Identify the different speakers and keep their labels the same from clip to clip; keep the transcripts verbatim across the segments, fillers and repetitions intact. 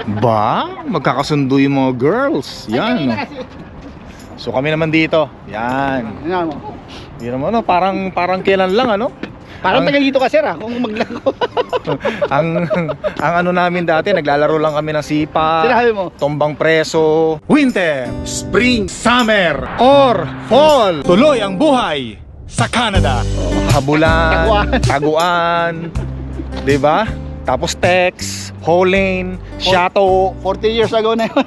Speaker 1: Ba? Magkakasundo yung mga girls. Yan. No? So kami naman dito. Yan.
Speaker 2: Ano mo?
Speaker 1: Hindi naman, no? Parang, parang kailan lang, ano?
Speaker 2: Parang
Speaker 1: Ang-
Speaker 2: taga dito ka sir ah, kung maglaro.
Speaker 1: ang ang ano namin dati, naglalaro lang kami ng sipa,
Speaker 2: Sinabi mo?
Speaker 1: tombang preso, winter, spring, summer, or fall. Tuloy ang buhay sa Canada. Habulan,
Speaker 2: Taguan.
Speaker 1: taguan, 'di ba? Tapos Tex, Holane, Chateau.
Speaker 2: forty years ago na yun.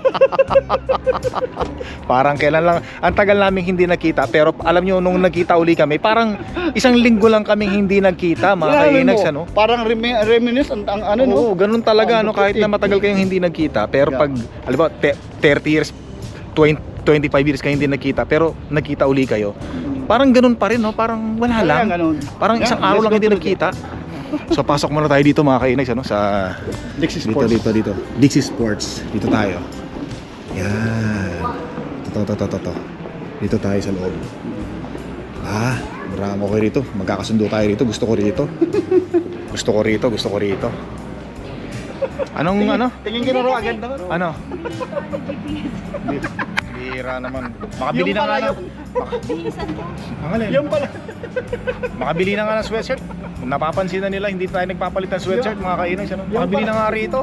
Speaker 1: Parang kailan lang, ang tagal namin hindi nakita. Pero alam nyo, nung nagkita uli kami, parang isang linggo lang kaming hindi nagkita, mga
Speaker 2: Sinabi
Speaker 1: kainags,
Speaker 2: mo,
Speaker 1: ano?
Speaker 2: Parang remi- reminisce ang, ang ano no?
Speaker 1: Oo, ganun talaga,
Speaker 2: Ang
Speaker 1: no? Kahit na matagal kayong hindi nagkita. Pero
Speaker 2: Yeah.
Speaker 1: pag, alam ba, te- thirty years, twenty, twenty-five years kayo hindi nagkita, pero nagkita uli kayo. Parang ganun pa rin, no? Parang wala lang.
Speaker 2: Ganun.
Speaker 1: Parang isang
Speaker 2: Yeah,
Speaker 1: araw
Speaker 2: let's
Speaker 1: lang
Speaker 2: go
Speaker 1: hindi
Speaker 2: to the-
Speaker 1: nagkita. So pasok muna tayo dito, mga kainags, ano? Sa
Speaker 2: Dixie
Speaker 1: dito,
Speaker 2: Sports.
Speaker 1: dito, dito. Dixie Sports. Dito tayo. Yan. Ito, ito, ito, ito, ito. Dito tayo sa loob. Ah, marami ko rito. Magkakasundo tayo rito. Gusto ko rito. Gusto ko rito, gusto ko rito. Anong ano?
Speaker 2: Tingin ko na raw agad na.
Speaker 1: Ano? Bira naman. Makabili
Speaker 2: Yung
Speaker 1: na nga
Speaker 2: pala
Speaker 1: na.
Speaker 2: yun.
Speaker 1: Ang alin?
Speaker 2: Yung pala.
Speaker 1: Makabili na nga ng sweatshirt. Kung napapansin na nila, hindi tayo nagpapalit ng sweatshirt, mga kainis. Ano? Makabili na nga rito.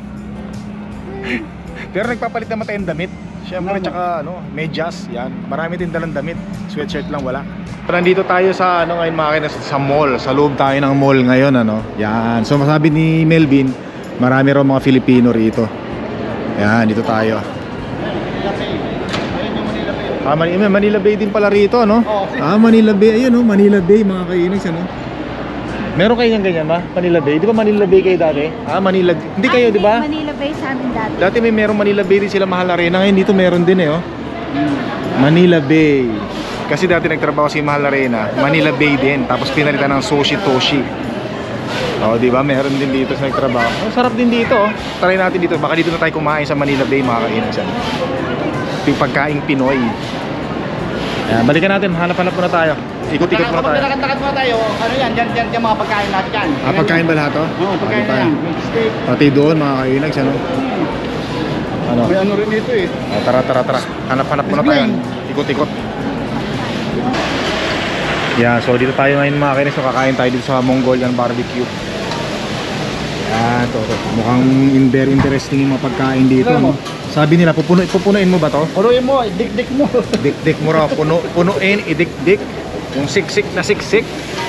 Speaker 1: Pero nagpapalit naman tayong damit. Siyempre, tsaka ano, medyas. Yan. Marami din dalang damit. Sweatshirt lang wala. So, nandito tayo sa ano ngayon, mga kainis, sa mall. Sa loob tayo ng mall ngayon, ano. Yan. So masabi ni Melvin, marami raw mga Filipino rito. Yan, dito tayo. Ah, Manila, Manila Bay din pala rito, no?
Speaker 2: Oo.
Speaker 1: Ah, Manila Bay, ayun, no? Manila Bay, mga kainis, ano? Meron kayo ng ganyan ba? Manila Bay? Di ba Manila Bay kayo dati? Ah, Manila, hindi kayo, di ba?
Speaker 3: Manila Bay sa amin dati.
Speaker 1: Dati may meron Manila Bay din sila, Mahal Arena. Ngayon dito meron din eh, oh. Manila Bay. Kasi dati nagtrabaho si Mahal Arena, Manila Bay din. Tapos pinalitan ng Sushi Toshi. Oh, di ba? Meron din dito sa nagtrabaho. Oh, sarap din dito, oh. Try natin dito. Baka dito na tayo kumain sa Manila Bay, mga kainis. Ito yung pagkaing Pinoy. Ayan, balikan natin. Hanap-hanap muna tayo. Ikot-ikot muna
Speaker 2: Kapag
Speaker 1: tayo.
Speaker 2: nakatakad muna tayo, ano yan, dyan, dyan, dyan mga pagkain lahat yan.
Speaker 1: Ah, pagkain ba lahat, oh?
Speaker 2: Oo, pagkain
Speaker 1: Pati
Speaker 2: na yan.
Speaker 1: pa.
Speaker 2: Steak.
Speaker 1: Pati doon, mga kainags, ano? Ano?
Speaker 2: May ano rin dito eh.
Speaker 1: Oh, tara, tara, tara. Hanap-hanap muna tayo. Ikot-ikot. Yeah, so dito tayo ngayon, mga kainis. So, kakain tayo dito sa Mongolian barbecue. Yan, to, to. Mukhang in- very interesting yung mga pagkain dito.
Speaker 2: Alam mo?
Speaker 1: No? Sabi nila, pupuno, pupunuin mo ba to?
Speaker 2: Punuin mo, dik-dik mo.
Speaker 1: Dik-dik mo raw, puno, punuin, idik-dik. Yung siksik na siksik.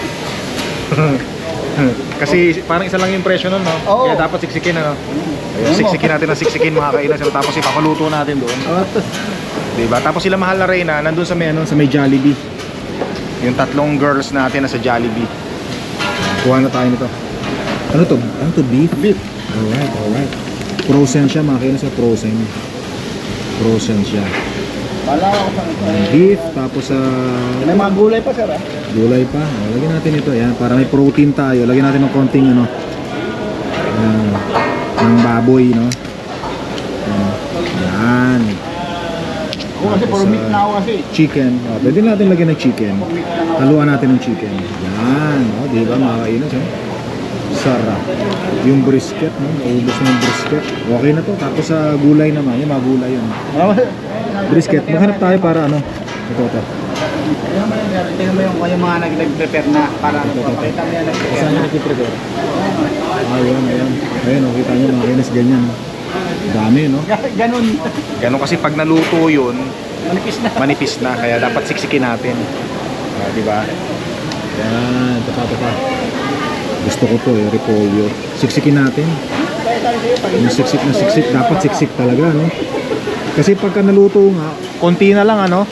Speaker 1: Kasi parang isa lang yung presyo nun, no?
Speaker 2: Oo.
Speaker 1: Kaya dapat siksikin, ano? Ayun, siksikin natin ang siksikin, mga kainas. Tapos ipapaluto natin doon. Diba? Tapos sila Mahal Arena, nandun sa may, ano, sa may Jollibee. Yung tatlong girls natin na sa Jollibee. Kuha na tayo nito. Ano to? Ano to? Beef?
Speaker 2: Beef.
Speaker 1: Alright, alright. Frozen siya, mga kainas, frozen. Frozen siya.
Speaker 2: Wala ako sa
Speaker 1: Beef, tapos sa
Speaker 2: May mga gulay pa sir ah.
Speaker 1: gulay pa. O, lagyan natin ito. Yan, para may protein tayo. Lagyan natin ng konting ano. Yan, ng baboy, no? Yan. Yan.
Speaker 2: Ako kasi
Speaker 1: Tapos,
Speaker 2: puro meat
Speaker 1: ah,
Speaker 2: na ako kasi.
Speaker 1: Chicken. O, pwede natin lagyan ng chicken. Haluan natin ng chicken. Yan. O, di ba? Makakainas, eh. Sarap. Yung brisket, no? Naubos na yung brisket. Okay na to. Tapos sa gulay naman. Yung mga gulay yun. Brisket. Maghanap tayo para ano. Ito, ito.
Speaker 2: Tingnan mo yung, yung mga nag- nag-prepare na para ano, papalitan mo yan nag-prepare
Speaker 1: Saan
Speaker 2: na.
Speaker 1: yung nag-prepare? Ayun, ayun. Ayun, oh, kita nyo mga kainis, ganyan. Dami, no?
Speaker 2: Ganun.
Speaker 1: Ganun kasi pag naluto yun,
Speaker 2: Manipis na.
Speaker 1: manipis na. Kaya dapat siksikin natin. Ah, di ba? Yan, ito pa, ito pa. Gusto ko to eh, repolyo. Siksikin natin. Yung siksik na siksik, dapat siksik talaga, no? Kasi pagka naluto nga, konti na lang, ano?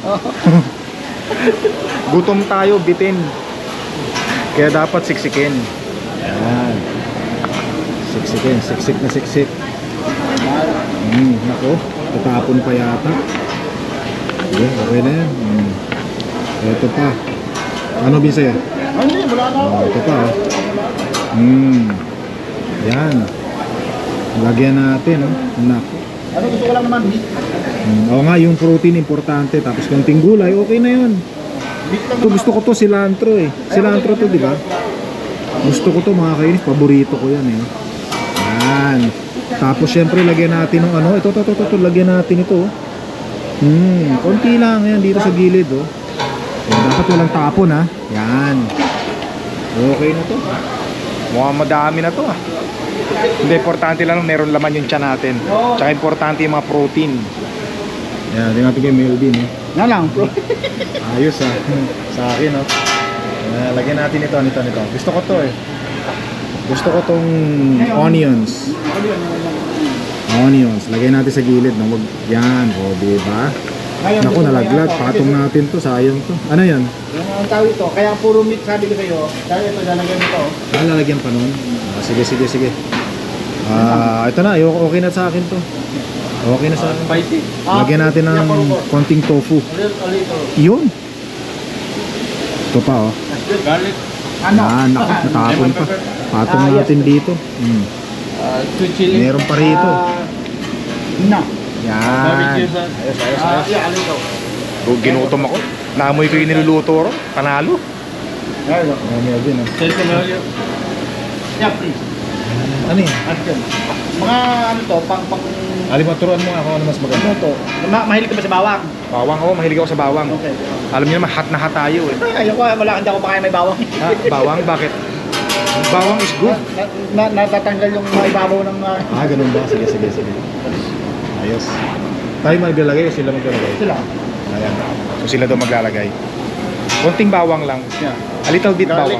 Speaker 1: Gutom tayo, bitin. Kaya dapat siksikin. Yan. Siksikin, siksik na siksik. Hmm, nako, tatapon pa yata. Okay, okay na yan. Hmm. Ito pa. Ano Bisaya?
Speaker 2: Ah, Hindi, wala na ako.
Speaker 1: Oh, ito pa. Oh. Hmm. Yan. Lagyan natin, oh. Nako.
Speaker 2: Ano gusto ko lang naman meat.
Speaker 1: Hmm. Oo nga, yung protein importante. Tapos konting gulay, okay na yun.
Speaker 2: Meat lang
Speaker 1: Ito gusto ko to, cilantro eh. Cilantro to, di ba? Gusto ko to, mga kainis. Paborito ko yan eh. Yan. Tapos syempre lagyan natin ng ano, ito, ito, ito, ito, ito lagyan natin ito. oh. Hmm, konti lang yan dito sa gilid oh. Yan, dapat walang tapon ha. Yan. Okay na to. Mukhang madami na to ah. Hindi, importante lang meron laman yung tiyan natin. Tsaka importante yung mga protein. Yan, tingnan natin kay Melvin eh.
Speaker 2: Na lang, bro.
Speaker 1: Ayos ah. Sa akin oh. Uh, lagyan natin ito, nito, nito. Gusto ko to eh. Gusto ko tong onions. Onions. Lagyan natin sa gilid. No? Wag, yan. O, diba? Naku, nalaglag. Patong natin to. Sayang to. Ano yan?
Speaker 2: Yung ang tawag ito, kaya puro meat sabi ko sa'yo. Dahil ito, lalagyan ito.
Speaker 1: Ah, lalagyan pa nun? Ah, sige, sige, sige. Ah, ito na. Ayoko, okay na sa akin to. Okay na sa akin.
Speaker 2: Spicy.
Speaker 1: Lagyan natin ng konting tofu. Yun. Ito pa oh.
Speaker 2: Garlic. Ano?
Speaker 1: Yan, naku, natapon pa. Patong
Speaker 2: Ah, yes.
Speaker 1: natin dito. Hmm.
Speaker 2: Uh, sweet chili.
Speaker 1: Meron pa rito.
Speaker 2: Ah, na.
Speaker 1: Yan.
Speaker 2: Barbecue sauce.
Speaker 1: Ayos, ayos,
Speaker 2: Ah,
Speaker 1: ayos.
Speaker 2: yeah, ano ito?
Speaker 1: Oh, ginutom ako. Naamoy ko yung niluluto ro. Panalo.
Speaker 2: There you go.
Speaker 1: Naamoy din ah.
Speaker 2: Sales familiar? Yeah, please.
Speaker 1: Ano yun?
Speaker 2: Action. Mga ano to, pang pang
Speaker 1: Alimaturuan mo nga ako ano mas maganda.
Speaker 2: ano to? Ma mahilig ka ba sa bawang?
Speaker 1: Bawang ako, mahilig ako sa bawang.
Speaker 2: Okay.
Speaker 1: Alam niyo naman, hot na hot tayo eh.
Speaker 2: Ay, ayoko, wala hindi ako makain may bawang.
Speaker 1: Ha? Bawang? Bakit? Bawang is good.
Speaker 2: Na, na, natatanggal yung mga ibabaw ng uh,
Speaker 1: Ah, ganun ba? Sige, sige, sige. Ayos. Tayo maglalagay o sila maglalagay?
Speaker 2: sila.
Speaker 1: Ayan. So sila daw maglalagay. Konting bawang lang.
Speaker 2: Yeah.
Speaker 1: A little bit
Speaker 2: Garlic.
Speaker 1: bawang.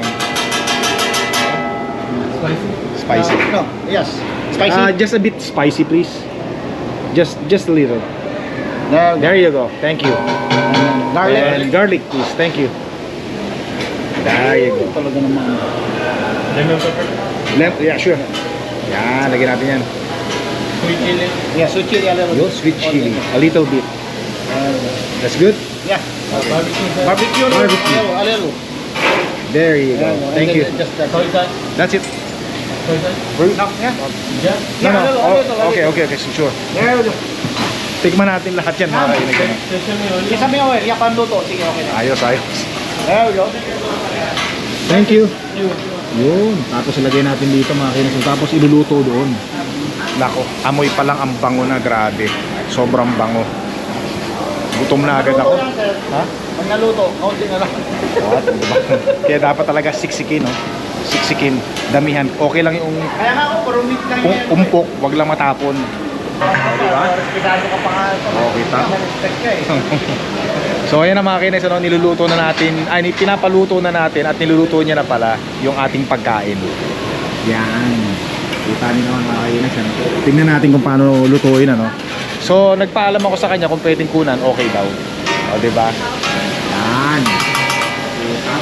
Speaker 2: Spicy.
Speaker 1: Spicy.
Speaker 2: Uh, no, yes. Spicy.
Speaker 1: Ah, just a bit spicy please. Just just a little.
Speaker 2: there,
Speaker 1: There you go. Thank you.
Speaker 2: garlic.
Speaker 1: And garlic please. Thank you. There you go.
Speaker 2: Talaga naman. Lemon pepper.
Speaker 1: Lem yeah, sure. Yan, lagyan natin yan.
Speaker 2: Sweet chili. Yeah, sweet chili a little
Speaker 1: Yo,
Speaker 2: bit.
Speaker 1: sweet chili. A little bit. That's good.
Speaker 2: Yeah. Uh, barbecue. Barbecue. a little,
Speaker 1: Barbecue.
Speaker 2: A little. A little.
Speaker 1: There you go.
Speaker 2: Yeah, and
Speaker 1: Thank
Speaker 2: then
Speaker 1: you.
Speaker 2: Just uh, soy sauce.
Speaker 1: That's it.
Speaker 2: Soy sauce.
Speaker 1: We're-
Speaker 2: No, yeah. Yeah.
Speaker 1: No, no.
Speaker 2: a little, a
Speaker 1: Oh,
Speaker 2: little, a
Speaker 1: okay,
Speaker 2: little.
Speaker 1: okay, okay. Sure.
Speaker 2: There we go.
Speaker 1: Tikman natin lahat yan, mga kaibigan.
Speaker 2: Isa may oil. Yeah, panluto. Sige, okay na.
Speaker 1: Ayos, ayos.
Speaker 2: There we go.
Speaker 1: Thank you. Yun. Tapos ilagay natin dito mga kaibigan. Tapos iluluto doon. Nako, amoy pa lang ang bango na, grabe. Sobrang bango. Gutom na agad ako. Ha?
Speaker 2: Pag naluto, kaunti na lang.
Speaker 1: Ah, diba? Kaya dapat talaga siksikin, no? Siksikin, damihan. Okay lang yung
Speaker 2: Kaya nga ako, puro meat lang
Speaker 1: um,
Speaker 2: yan.
Speaker 1: umpok, wag lang matapon.
Speaker 2: Diba? Respetado ka pa nga.
Speaker 1: Oo, kita.
Speaker 2: Respect ka eh.
Speaker 1: So ayan na mga kinis, ano, niluluto na natin, ay pinapaluto na natin at niluluto niya na pala yung ating pagkain. Yan. Kita niyo naman mga kinis, ano? Tingnan natin kung paano lutuin, ano. So nagpaalam ako sa kanya kung pwedeng kunan, okay daw. O, diba? Yan. Utang.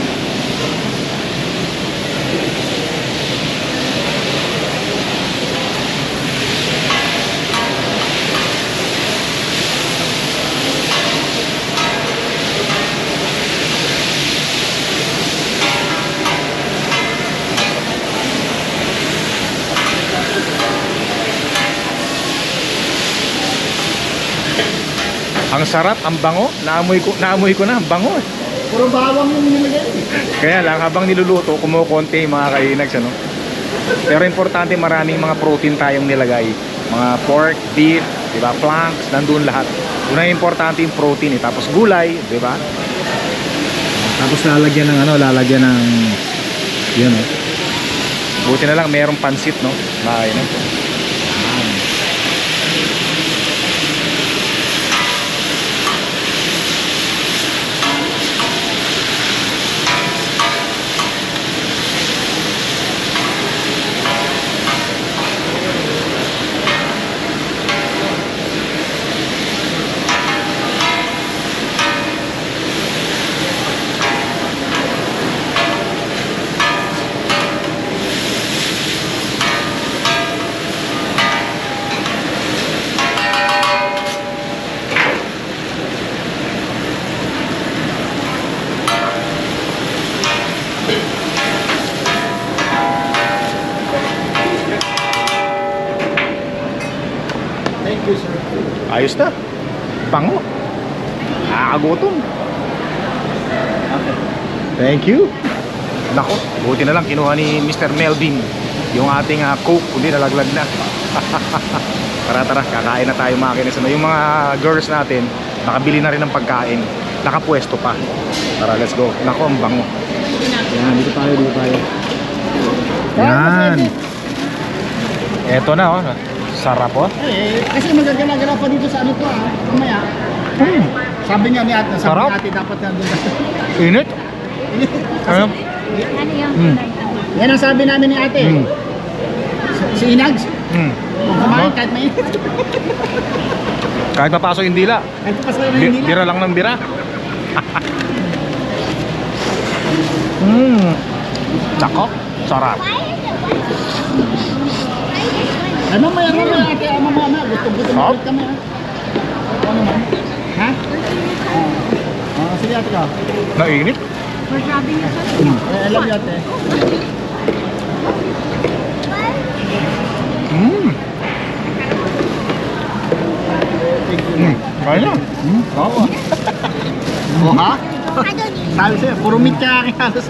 Speaker 1: Ang sarap, ang bango. Naamoy ko, naamoy ko na, ang bango. eh.
Speaker 2: Puro bawang yung nilagay.
Speaker 1: Kaya lang, habang niluluto, kumukonti yung mga kainags, ano? Pero importante, maraming mga protein tayong nilagay. Mga pork, beef, di ba? Planks, nandun lahat. Una importante yung protein, eh. Tapos gulay, di ba? Tapos lalagyan ng ano, lalagyan ng yun, eh. Buti na lang, mayroong pansit, no? Mga kainags.
Speaker 2: Thank you, sir.
Speaker 1: Ayos na. Bango. Nakakagutom.
Speaker 2: Okay.
Speaker 1: Thank you. Nako, buti na lang kinuha ni Mister Melvin yung ating uh, Coke, kundi nalaglag na. Tara tara, kakain na tayo mga kinis. Ano, yung mga girls natin, nakabili na rin ng pagkain. Nakapwesto pa. Tara, let's go. Nako, ang bango. Yan, dito tayo, dito tayo. Yan. Eto na, oh. Sarap, oh.
Speaker 2: Eh, kasi magagala-gala pa dito sa ano to ah. Mamaya.
Speaker 1: Hmm.
Speaker 2: Sabi niya ni ate, sabi
Speaker 1: Sarap.
Speaker 2: ni ate dapat na doon.
Speaker 1: Init. Ano?
Speaker 3: Ano yung
Speaker 1: Hmm.
Speaker 3: kulay?
Speaker 2: Yan ang sabi namin ni ate.
Speaker 1: Hmm.
Speaker 2: Si, si Inags,
Speaker 1: Hmm.
Speaker 2: kung kumain kahit mainit.
Speaker 1: Kahit mapasok yung dila.
Speaker 2: Kahit pa sa
Speaker 1: Bi-
Speaker 2: nila.
Speaker 1: bira lang ng bira. Hmm. Nako, sarap.
Speaker 2: Ay, mamaya, mamaya ate, ah, mamaya, mamaya. Gusto-gusto
Speaker 1: Sarap.
Speaker 2: ulit kami ah. Ano naman? Ha? Ah, sige ate ka.
Speaker 1: Nainit.
Speaker 3: Masabi niya sa
Speaker 2: Eh, I love you ate.
Speaker 1: Hmm. Hmm. Kaya na.
Speaker 2: Hmm? Oo. Oo ha? Sabi sa'yo, puro meat kaya aking halos.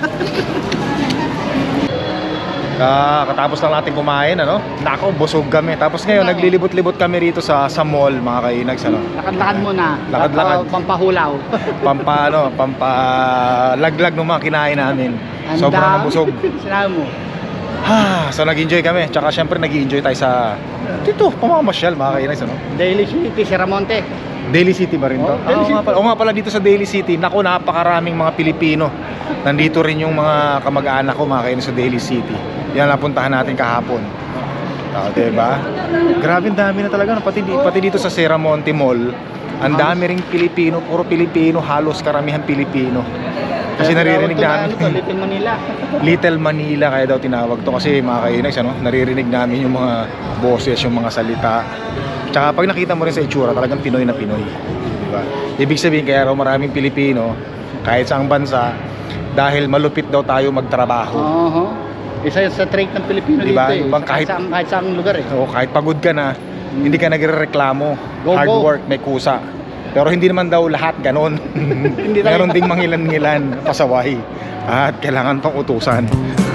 Speaker 1: Ah, katapos lang natin kumain, ano? Nako, busog kami. Tapos ngayon, naglilibot-libot kami rito sa sa mall, mga kainags, ano?
Speaker 2: Lakad-lakad muna.
Speaker 1: Lakad-lakad.
Speaker 2: Pampa- Pampahulaw.
Speaker 1: Pampa, ano, pampa laglag ng mga kinain namin. Sobrang nabusog.
Speaker 2: Sinabi mo.
Speaker 1: Ha, so nag-enjoy kami. Tsaka syempre nag-enjoy tayo sa dito, pamamasyal, mga kainags, ano?
Speaker 2: Daily City, Sierramonte.
Speaker 1: Daily City ba rin to?
Speaker 2: Oh, Daily
Speaker 1: Ah, oo nga pala, oo nga pala dito sa Daily City. Naku, napakaraming mga Pilipino. Nandito rin yung mga kamag-anak ko, mga kainags, sa Daily City. Yan napuntahan natin kahapon. Oh, diba? Grabe, ang dami na talaga. no? Pati, di- pati dito sa Sierramonte Mall, ang dami ring Pilipino, puro Pilipino, halos karamihan Pilipino. Kasi naririnig namin,
Speaker 2: Ito, Little Manila.
Speaker 1: Little Manila kaya daw tinawag to kasi mga kainags, ano, naririnig namin yung mga boses, yung mga salita. Tsaka pag nakita mo rin sa itsura, talagang Pinoy na Pinoy. Diba? Ibig sabihin kaya raw maraming Pilipino, kahit sa ang bansa, dahil malupit daw tayo magtrabaho.
Speaker 2: Oo. Isa yun sa trait ng Pilipino
Speaker 1: Diba?
Speaker 2: dito eh.
Speaker 1: Yung bang kahit-
Speaker 2: Kahit, sa, kahit sa lugar eh.
Speaker 1: So, kahit pagod ka na, hindi ka nagrereklamo.
Speaker 2: Go,
Speaker 1: Hard
Speaker 2: go.
Speaker 1: work, may kusa. Pero hindi naman daw lahat ganon.
Speaker 2: Hindi tayo-
Speaker 1: Meron ding mangilan-ngilan, pasaway. At kailangan pang utusan.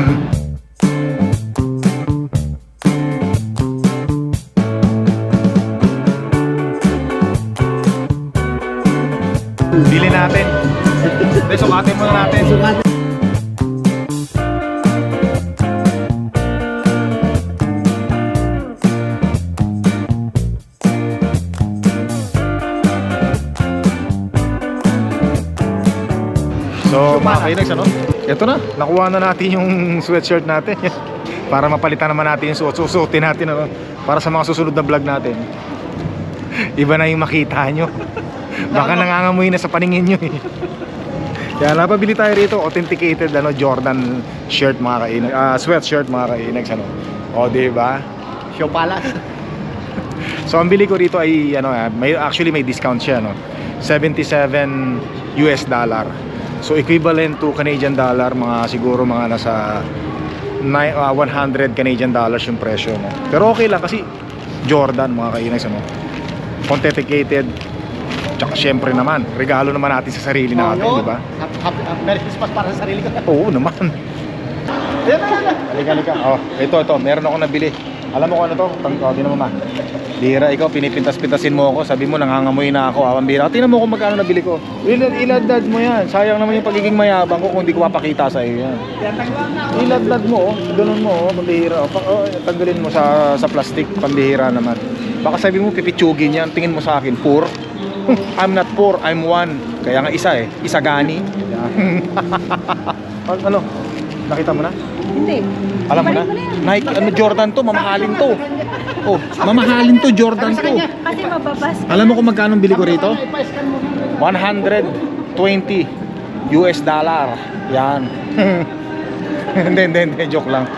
Speaker 1: Bili natin. Hindi, sukatin muna natin. So, mga kainags, ano? Ito na, nakuha na natin yung sweatshirt natin. Para mapalitan naman natin yung suot. Susuotin natin, ano? Para sa mga susunod na vlog natin. Iba na yung makita nyo. Baka nangangamoy na sa paningin nyo eh. Kaya napabili tayo rito, authenticated ano, Jordan shirt mga kainags. Ah, sweatshirt mga kainags, ano? O, diba?
Speaker 2: Show Palace.
Speaker 1: So ang bili ko rito ay ano, ah, may actually may discount siya, no. seventy-seven U S dollar. So equivalent to Canadian dollar, mga siguro mga nasa nine, uh, one hundred Canadian dollars yung presyo, no. Pero okay lang kasi Jordan mga kainags, ano. Authenticated. Tsaka syempre naman, regalo naman natin sa sarili natin,
Speaker 2: Oo.
Speaker 1: di ba?
Speaker 2: Happy, happy, happy, Merry Christmas para sa sarili ko.
Speaker 1: Oo naman.
Speaker 2: Ayan na, ayan na.
Speaker 1: Halika, halika. Oh, ito, ito. Meron ako nabili. Alam mo kung ano to? Tang, oh, tinan mo ma. Bira, ikaw, pinipintas-pintasin mo ako. Sabi mo, nangangamoy na ako. Awan bira. Tinan mo kung magkano nabili ko. Ilad, iladad mo yan. Sayang naman yung pagiging mayabang ko kung hindi ko papakita sa iyo yan. Iladad mo, oh. Ganun mo, oh. Pambihira. Oh, pa, oh, tanggalin mo sa, sa plastic. Pambihira naman. Baka sabi mo, pipitsugin yan. Tingin mo sa akin, poor. I'm not poor, I'm one. Kaya nga isa eh. Isa gani. Ano, ano? Nakita mo na?
Speaker 3: Hindi.
Speaker 1: Alam mo na?
Speaker 3: Ibalik yan.
Speaker 1: Nike, ano, Jordan to, mamahalin to. Oh, mamahalin to, Jordan to.
Speaker 3: Kasi mababas ka.
Speaker 1: Alam mo kung magkano ang bili ko rito?
Speaker 2: Ipa-scan mo.
Speaker 1: one hundred twenty U S dollar. Yan. Hindi, hindi, hindi. Joke lang.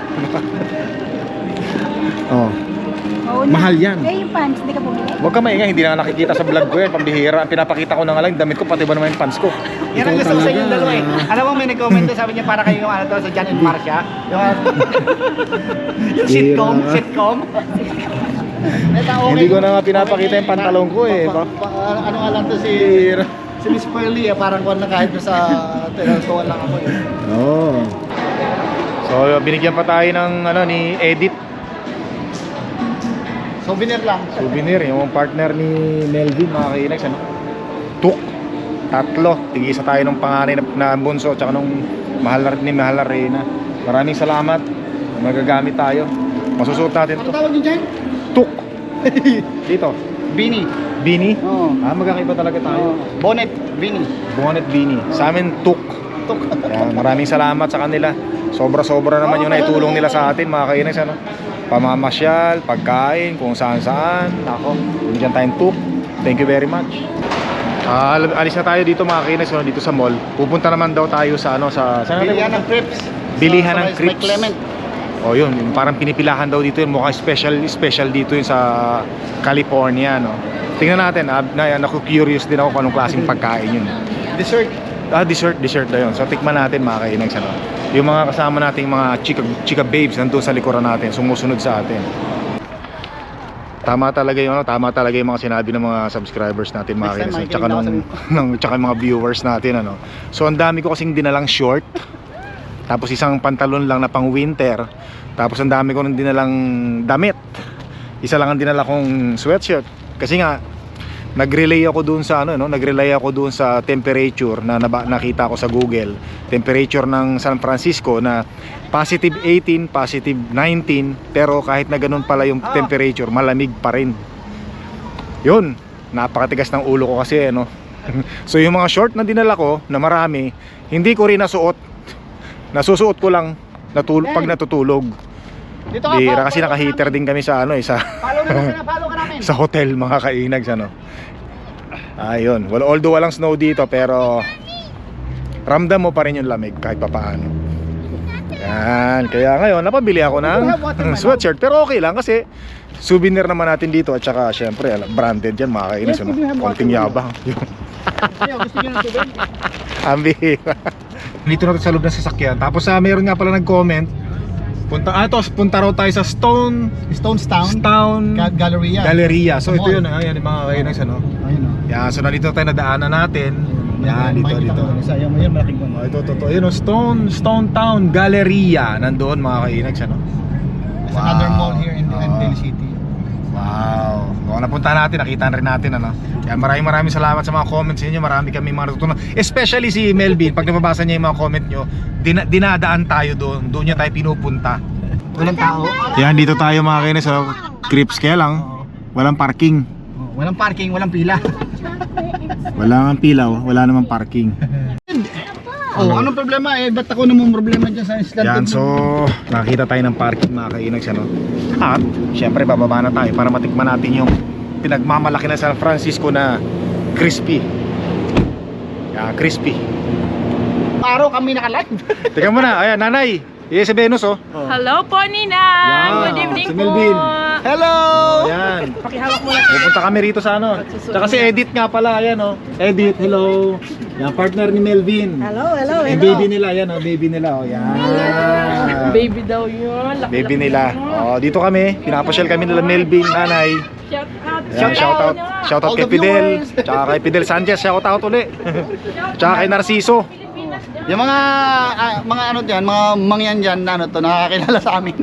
Speaker 1: Oh.
Speaker 3: Oo na.
Speaker 1: Mahal yan.
Speaker 3: Eh, yung pants, hindi ka bumili?
Speaker 1: Huwag ka maingay, hindi na nakikita sa vlog ko yan. Pambihira. Ang pinapakita ko na nga lang, yung damit ko, pati ba naman yung pants ko.
Speaker 2: Yan ang gusto ko sa inyong dalawa eh. Alam mo, may nag-comment doon, sabi niya para kayo yung ano doon sa John and Marcia. Yung, yung sitcom, sitcom. Ito, okay.
Speaker 1: Hindi ko na nga pinapakita yung pantalon ko eh.
Speaker 2: Pa- pa- pa- ano nga lang to si...
Speaker 1: Bihira.
Speaker 2: Si Miss Pearly eh, parang kuwan na kahit doon sa... Tinatuan lang ako eh.
Speaker 1: Oo. So, binigyan pa tayo ng ano ni Edit.
Speaker 2: Souvenir lang.
Speaker 1: Souvenir, yung partner ni Melvin, mga kainags, ano? Tuk. Tatlo. Tigisa tayo ng panganay na, na bunso, tsaka nung mahal na, ni Mahal na Reyna. Maraming salamat. Magagamit tayo. Masusuot natin
Speaker 2: Ano
Speaker 1: to.
Speaker 2: tawag yun dyan?
Speaker 1: Tuk. Dito.
Speaker 2: Beanie.
Speaker 1: Beanie.
Speaker 2: Oo.
Speaker 1: Ah, magkakaiba talaga tayo.
Speaker 2: Bonnet. Beanie.
Speaker 1: Bonnet beanie. Sa amin, tuk.
Speaker 2: Tuk.
Speaker 1: Yan, maraming salamat sa kanila. Sobra-sobra naman yung naitulong nila sa atin, mga kainags, ano? Pamamasyal, pagkain, kung saan-saan. Ako, bigyan tayong tuk. Thank you very much. Ah, alis na tayo dito, mga kainags, ano, dito sa mall. Pupunta naman daw tayo sa ano sa saan natin
Speaker 2: Bilihan
Speaker 1: pupunta?
Speaker 2: ng crepes.
Speaker 1: Bilihan
Speaker 2: Sa-
Speaker 1: ng
Speaker 2: sa may
Speaker 1: crepes.
Speaker 2: Clement.
Speaker 1: Oh, yun, yung parang pinipilahan daw dito yun, mukhang special special dito yun sa California, no. Tingnan natin, ah, na, naku-curious din ako kung anong klaseng pagkain yun.
Speaker 2: Dessert.
Speaker 1: Ah, dessert, dessert na yun. So tikman natin, mga kainags, ano. Yung mga kasama nating mga chika, chika babes nandun sa likuran natin, sumusunod sa atin. Tama talaga yung ano, tama talaga yung mga sinabi ng mga subscribers natin, mga
Speaker 2: Next time,
Speaker 1: kainags,
Speaker 2: makikinig
Speaker 1: tsaka
Speaker 2: ako
Speaker 1: nung, nung tsaka yung mga viewers natin, ano. So ang dami ko kasing dinalang short. Tapos isang pantalon lang na pang winter. Tapos ang dami ko nang dinalang damit. Isa lang ang dinala kong sweatshirt. Kasi nga nag-relay ako doon sa ano, no, nag-relay ako doon sa temperature na naba, nakita ko sa Google. Temperature ng San Francisco na positive eighteen, positive nineteen, pero kahit na ganun pala yung
Speaker 2: Ah.
Speaker 1: temperature, malamig pa rin. Yun, napakatigas ng ulo ko kasi, ano. So yung mga short na dinala ko na marami, hindi ko rin nasuot. Nasusuot ko lang natul- pag natutulog.
Speaker 2: Dito ka.
Speaker 1: Bira
Speaker 2: follow-
Speaker 1: kasi
Speaker 2: follow
Speaker 1: naka-heater
Speaker 2: ka
Speaker 1: din kami sa ano eh, sa
Speaker 2: namin. Follow naman ka, follow ka namin.
Speaker 1: sa hotel, mga kainags, ano. Ayun, well, although walang snow dito, pero ramdam mo pa rin yung lamig kahit papaano. Yan, kaya ngayon napabili ako ng sweatshirt, pero okay lang kasi souvenir naman natin dito at saka syempre alam, branded yan, mga kainags, ano. Konting yabang.
Speaker 2: Ayaw, gusto nyo ng tubig?
Speaker 1: Ambi. Dito natin sa loob ng sasakyan. Tapos ah, meron nga pala nag-comment. Punta ah, ito, punta raw tayo sa Stone
Speaker 2: Stonestown.
Speaker 1: Stone
Speaker 2: Ga- Galleria.
Speaker 1: Galleria. So
Speaker 2: Sa
Speaker 1: ito
Speaker 2: mall.
Speaker 1: yun, ah, yan yung mga kainags, ano.
Speaker 2: Ayun o.
Speaker 1: Yan, so nandito tayo nadaanan natin. Yan, dito, dito.
Speaker 2: Isa, yung yun, malaking
Speaker 1: Oh, ito, ito, ito. Yun, oh, Stone, Stone Town Galleria. Nandoon, mga kainags, ano.
Speaker 2: There's another mall here in
Speaker 1: Oo.
Speaker 2: Daly City.
Speaker 1: Wow. Kung napunta natin, nakita rin natin, ano. Kaya maraming maraming salamat sa mga comments niyo. Marami kami mga natutunan. Especially si Melvin, pag nababasa niya yung mga comment niyo, dina dinadaan tayo doon. Doon niya tayo pinupunta.
Speaker 2: Walang tao.
Speaker 1: Yan, dito tayo, mga kainis, sa Crips, kaya lang walang parking.
Speaker 2: Oh, walang parking, walang pila.
Speaker 1: Wala nga pila, oh. Wala namang parking.
Speaker 2: Oh, anong problema eh? Ba't ako namang problema dyan sa island?
Speaker 1: Yan, so nakita tayo ng parking, mga kainags, ano. At syempre bababa na tayo para matikman natin yung pinagmamalaki ng San Francisco na crispy. Yan, crispy.
Speaker 2: Araw kami naka-live.
Speaker 1: Teka muna, ayan, nanay. Iya si Venus, oh.
Speaker 3: Hello po, Nina!
Speaker 1: Yan,
Speaker 3: Good evening
Speaker 1: si
Speaker 3: po!
Speaker 1: Melvin.
Speaker 2: Hello!
Speaker 1: Ayan.
Speaker 3: Pakihawak mo na.
Speaker 1: Pupunta kami rito sa ano. Tsaka si Edith nga pala, ayan, oh. Edith, hello. Yan, partner ni Melvin.
Speaker 3: Hello, hello,
Speaker 1: Yung baby nila, yan, oh, baby nila, oh. Yan.
Speaker 3: Baby daw yun. Laki,
Speaker 1: Baby
Speaker 3: laki
Speaker 1: nila.
Speaker 3: mo.
Speaker 1: Oh, dito kami. Pinapasyal kami nila Melvin, nanay.
Speaker 3: Shout out.
Speaker 1: Ayan, shout out. Shout out
Speaker 2: All
Speaker 1: kay
Speaker 2: the
Speaker 1: Fidel.
Speaker 2: viewers.
Speaker 1: Tsaka kay Fidel Sanchez, shout out uli. Tsaka kay Narciso.
Speaker 2: Yung mga ah, mga ano diyan, mga mangyan diyan na ano to nakakilala sa amin.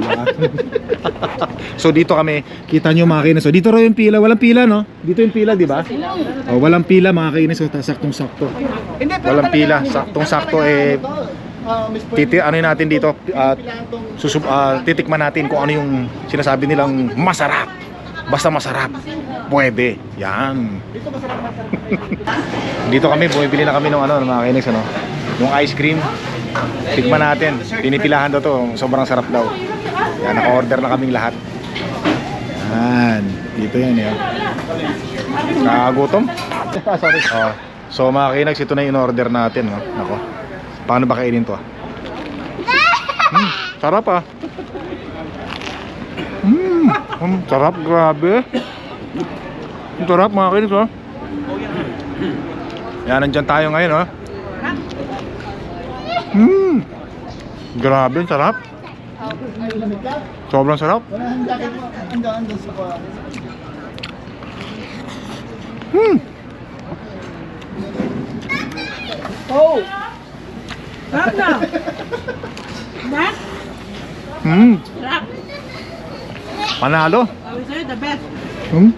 Speaker 1: So dito kami, kita nyo, mga kainis. So dito raw yung pila, walang pila, no? Dito yung pila, di ba? Oh, walang pila, mga kainis. So saktong-sakto.
Speaker 2: Hindi, pero
Speaker 1: Walang
Speaker 2: talaga,
Speaker 1: pila,
Speaker 2: hindi-
Speaker 1: saktong-sakto,
Speaker 2: talaga
Speaker 1: eh,
Speaker 2: ano to, ah, Miss Pearl,
Speaker 1: Titi, ano yun natin dito, uh,
Speaker 2: kailangan tong-
Speaker 1: susub, ah, titikman natin kung ano yung sinasabi nilang masarap. Basta masarap. Pwede. Yan.
Speaker 2: Dito masarap masarap.
Speaker 1: Dito kami, bumibili na kami ng ano, ng mga kainis, ano? Yung ice cream. Tikman natin. Pinipilahan daw to. Sobrang sarap daw. Yan, naka-order na kaming lahat. Yan. Dito yan, yan. Nakagutom?
Speaker 2: Sorry.
Speaker 1: Oh. So mga kinags, ito na yung in-order natin, no? Nako. Paano ba kainin to, ah? Hmm, sarap, ah. Hmm, hmm, sarap, grabe. Ang sarap, mga kinags, oh. Yan, nandyan tayo ngayon, oh. Hmm, grabe, ang sarap. Sobrang sarap.
Speaker 2: Wala ang jacket mo. Ando ando sa kwa.
Speaker 1: Hmm.
Speaker 2: Oh.
Speaker 3: Sarap na! Sarap?
Speaker 1: Hmm.
Speaker 3: Sarap!
Speaker 1: Panalo.
Speaker 3: Sabi sa'yo, the best.
Speaker 1: Hmm?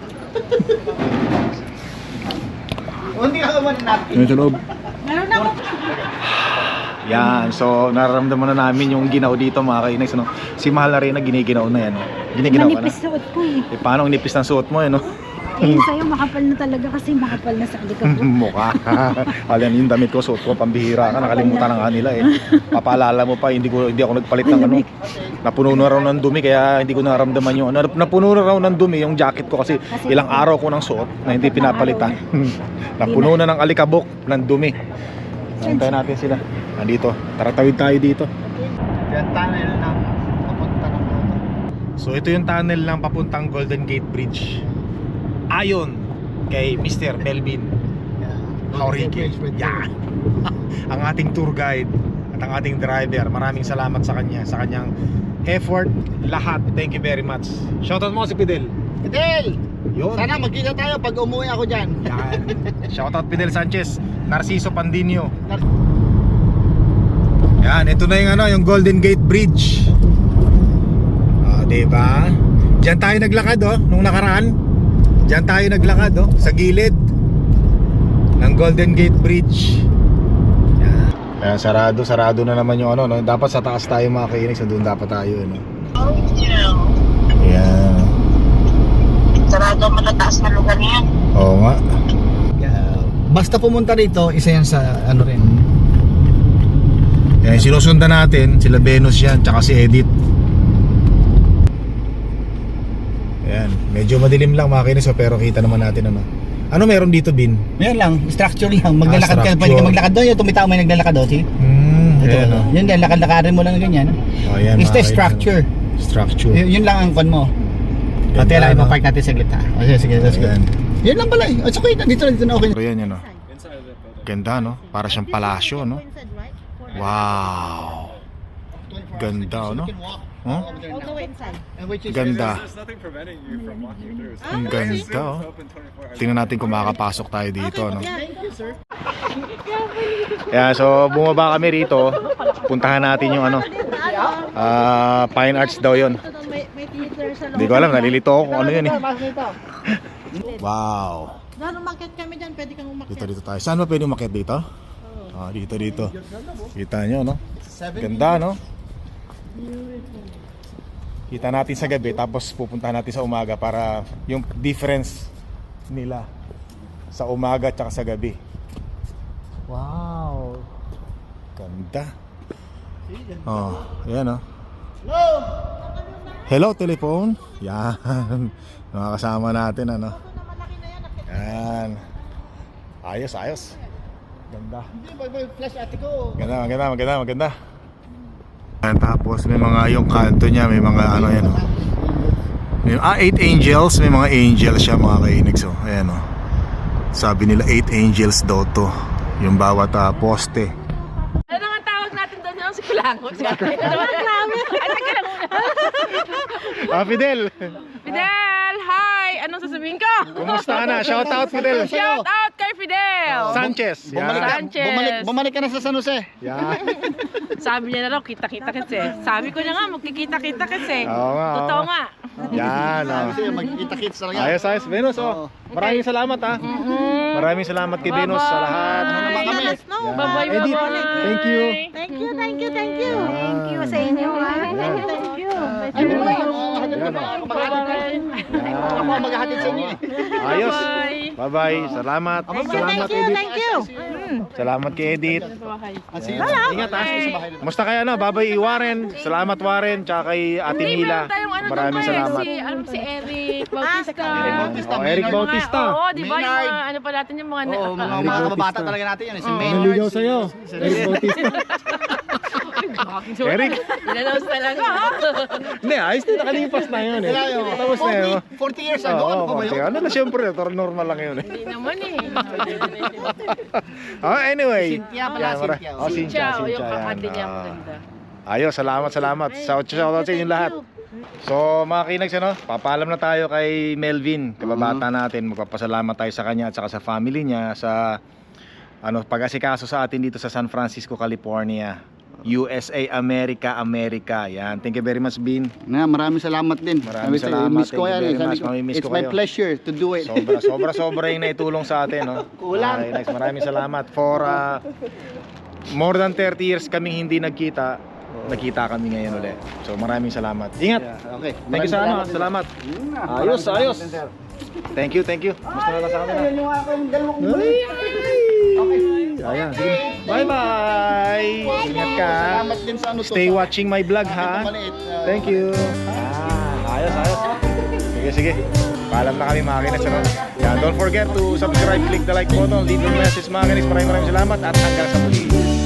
Speaker 2: O, hindi ka kumain natin.
Speaker 1: Ano sa loob?
Speaker 3: Meron ako.
Speaker 1: Yan, so nararamdaman na namin yung ginaw dito mga kainags, no? Si Mahal Arena giniginaw na yan, no? Giniginaw ka na.
Speaker 4: Manipis suot ko eh.
Speaker 1: Eh, paano ang nipis ng suot mo, eh, no?
Speaker 4: Ayun sa'yo, makapal na talaga kasi makapal na sa alikabok.
Speaker 1: Mukha. Alam, yung damit ko, suot ko, pambihira ka, nakalimutan na nga nila eh. Papaalala mo pa, hindi ko hindi ako nagpalit ng ano. Napuno na raw ng dumi, kaya hindi ko naramdaman yung ano. Napuno na raw ng dumi yung jacket ko kasi ilang araw ko nang suot na hindi pinapalitan. Napuno na ng alikabok ng dumi. Hintayin natin sila. Nandito, tara tawid tayo dito.
Speaker 2: Yan, tunnel na. Papunta ng motor.
Speaker 1: So ito yung tunnel ng papuntang Golden Gate Bridge. Ayon kay Mister Melvin Hauriki. Yan. Ang ating tour guide at ang ating driver. Maraming salamat sa kanya, sa kanyang effort, lahat. Thank you very much. Shoutout mo si Fidel.
Speaker 2: Fidel!
Speaker 1: Yun.
Speaker 2: Sana magkita tayo pag umuwi ako dyan.
Speaker 1: Yan. Shoutout Fidel Sanchez, Narciso Pandinio. Yan, ito na yung ano, yung Golden Gate Bridge. Ah, diba? Diyan tayo naglakad, oh, nung nakaraan. Diyan tayo naglakad, oh, sa gilid ng Golden Gate Bridge. Yan. Ayan, sarado, sarado na naman yung ano, no? Dapat sa taas tayo mga kainis, doon dapat tayo, ano. Ayan.
Speaker 5: Sarado ang matataas na lugar niyan.
Speaker 1: Oo nga.
Speaker 2: Basta pumunta dito, isa yan sa ano rin.
Speaker 1: Ayan, sinusundan natin, sila Venus yan, tsaka si Edith. Ayan, medyo madilim lang mga kainis, pero kita naman natin ano. Ano meron dito, Bin?
Speaker 2: Meron lang, structure lang. Maglalakad ka,
Speaker 1: structure.
Speaker 2: pwede ka maglakad doon. Yung tumitaw may naglalakad doon, see?
Speaker 1: Hmm,
Speaker 2: Ito,
Speaker 1: ayan,
Speaker 2: ano.
Speaker 1: oh.
Speaker 2: Yun din, lakad-lakarin mo lang ganyan.
Speaker 1: Oh, ayan,
Speaker 2: It's the
Speaker 1: mga
Speaker 2: structure.
Speaker 1: kainis. Structure.
Speaker 2: Y- yun lang ang kon mo.
Speaker 1: Ganda,
Speaker 2: Pati lang,
Speaker 1: no?
Speaker 2: ipapark natin saglit ha. O sige, sige, let's go.
Speaker 1: Ayan.
Speaker 2: Yun lang pala eh. O okay, nandito na, dito na okay.
Speaker 1: Pero yan, yan, oh. Ganda, no? Para siyang palasyo, no? Wow. Ganda, no? Huh? Ganda. Ang ganda, oh. Tingnan natin kung makakapasok tayo dito, no? Yeah, so bumaba kami rito. Puntahan natin yung ano. Ah, Fine Arts daw 'yon. Hindi ko alam, nalilito ako kung ano 'yun eh. Wow.
Speaker 5: Doon umakyat kami dyan, pwede kang umakyat.
Speaker 1: Dito dito tayo. Saan ba pwede umakyat dito? Ah, dito dito. Kita nyo, no? Ganda, no? Kita natin sa gabi, tapos pupuntahan natin sa umaga para yung difference nila sa umaga at sa gabi. Wow. Ganda. Oh, ayan, oh. Hello, telephone. Yan. Mga kasama natin, ano? Yan. Ayos, ayos. Ganda.
Speaker 2: Flash ate ko.
Speaker 1: Maganda, maganda, maganda, maganda. Ayan, tapos may mga yung kanto niya, may mga ano yan, oh. May, ah, eight angels, may mga angels siya mga kainix, oh. Ayan, oh. Sabi nila eight angels daw to, yung bawat uh, poste.
Speaker 3: Ano nga tawag natin doon yung si Kulangot? Ano namin? Ano ka lang muna?
Speaker 1: Ah, Fidel!
Speaker 3: Fidel! Hi! Anong sasabihin ko?
Speaker 1: Kumusta ka na? Shout out, Fidel!
Speaker 3: Shout out kay Fidel!
Speaker 1: Sanchez!
Speaker 2: Bumalik,
Speaker 1: Yan.
Speaker 2: ka,
Speaker 3: Sanchez.
Speaker 2: bumalik, bumalik ka na sa San Jose.
Speaker 1: Yan.
Speaker 3: Sabi niya na raw, kita-kita kasi. Sabi ko na nga, magkikita-kita kasi.
Speaker 1: Oo nga, oo.
Speaker 3: Totoo nga.
Speaker 1: Yan, oh.
Speaker 2: Kasi magkita-kits talaga.
Speaker 1: Ayos, ayos. Venus, oh. Maraming salamat, ha. Maraming salamat kay Venus sa lahat.
Speaker 2: Ano naman kami?
Speaker 1: Yan.
Speaker 3: Bye-bye,
Speaker 1: Edith,
Speaker 3: bye-bye.
Speaker 1: thank you.
Speaker 5: Thank you, thank you, thank you.
Speaker 4: Thank you sa inyo ha.
Speaker 1: Yan.
Speaker 4: Thank you.
Speaker 2: Ay, ano ba? Ano
Speaker 1: Yan, oh.
Speaker 2: Ako maghahatid. Ako ang maghahatid sa inyo eh.
Speaker 1: Ayos.
Speaker 3: Bye.
Speaker 1: Bye-bye. Salamat. Salamat,
Speaker 5: Thank you,
Speaker 1: Edith.
Speaker 5: thank you.
Speaker 1: Salamat kay Edith.
Speaker 2: Ah, sige. Ingat ha. Sa bahay na.
Speaker 1: Musta kaya na? Babay Warren. Salamat Warren. Tsaka kay Ate
Speaker 3: Hindi,
Speaker 1: Mila.
Speaker 3: meron tayong ano doon
Speaker 1: Maraming
Speaker 3: pa eh,
Speaker 1: salamat.
Speaker 3: Si, alam mo, si Eric Bautista.
Speaker 2: Eric Bautista,
Speaker 1: Oh, Eric
Speaker 2: Maynard.
Speaker 1: Bautista.
Speaker 3: Oo, di ba? Yung
Speaker 2: Maynard.
Speaker 3: mga, ano pa natin yung mga...
Speaker 2: Oo, mga,
Speaker 3: ah,
Speaker 2: mga kababata talaga natin yan. eh. Si
Speaker 3: Oo.
Speaker 2: Maynard.
Speaker 1: Naligaw sa'yo. Eric Bautista. Eric.
Speaker 3: In-announce talaga.
Speaker 1: Hindi, ayos din. Nakalipas na yun eh. Tapos na yun.
Speaker 2: forty, forty years ago,
Speaker 1: Oo,
Speaker 2: ano pa ba yun?
Speaker 1: ano na siyempre, normal lang yun eh.
Speaker 3: Hindi naman eh.
Speaker 1: Oh, anyway.
Speaker 2: Cynthia pala,
Speaker 1: Yan, mara-
Speaker 2: Cynthia.
Speaker 1: Oh, Cynthia,
Speaker 3: Ciao, yung
Speaker 1: Cynthia.
Speaker 3: kakandi niya
Speaker 1: yan. Ah.
Speaker 3: maganda.
Speaker 1: Ayos, salamat, salamat. Shout shout out sa inyong lahat. So, mga kinags, ano, papaalam na tayo kay Melvin, kababata natin. Magpapasalamat tayo sa kanya at saka sa family niya sa ano, pag-asikaso sa atin dito sa San Francisco, California. U S A, America, America. Yan. Thank you very much, Bin.
Speaker 2: Na, maraming salamat din.
Speaker 1: Maraming
Speaker 2: Sabi sa'yo,
Speaker 1: salamat.
Speaker 2: miss ko
Speaker 1: Thank you
Speaker 2: yan,
Speaker 1: very
Speaker 2: eh. Sabi
Speaker 1: much.
Speaker 2: ko,
Speaker 1: Mamimiss
Speaker 2: it's
Speaker 1: ko
Speaker 2: my
Speaker 1: kayo.
Speaker 2: pleasure to do it.
Speaker 1: Sobra, sobra, sobra yung naitulong sa atin, no?
Speaker 2: Kulang.
Speaker 1: Okay, nice. Maraming salamat. For uh, more than thirty years kaming hindi nagkita, nakita kami ngayon ulit. So maraming salamat. Ingat!
Speaker 2: Yeah, okay.
Speaker 1: Thank you sa ano,
Speaker 2: Maraming
Speaker 1: salamat.
Speaker 2: Yun na.
Speaker 1: Ayos,
Speaker 2: Maraming
Speaker 1: ayos.
Speaker 2: salamat din, sir.
Speaker 1: Thank you, thank you. Gusto na lang sa kanila.
Speaker 2: Ayun yung ako yung dalawang
Speaker 1: Ayan, sige. Bye-bye! Ingat ka.
Speaker 2: Salamat din sa ano to.
Speaker 1: Stay
Speaker 2: sa-
Speaker 1: watching my vlog,
Speaker 2: sa
Speaker 1: ha?
Speaker 2: akin na maliit. Uh,
Speaker 1: Thank you. Ah, ayos, ayos. Sige, sige. Paalam na kami mga kinasunod. Yan, don't forget to subscribe, click the like button, leave your message mga kinis. Maraming maraming salamat at hanggang sa muli.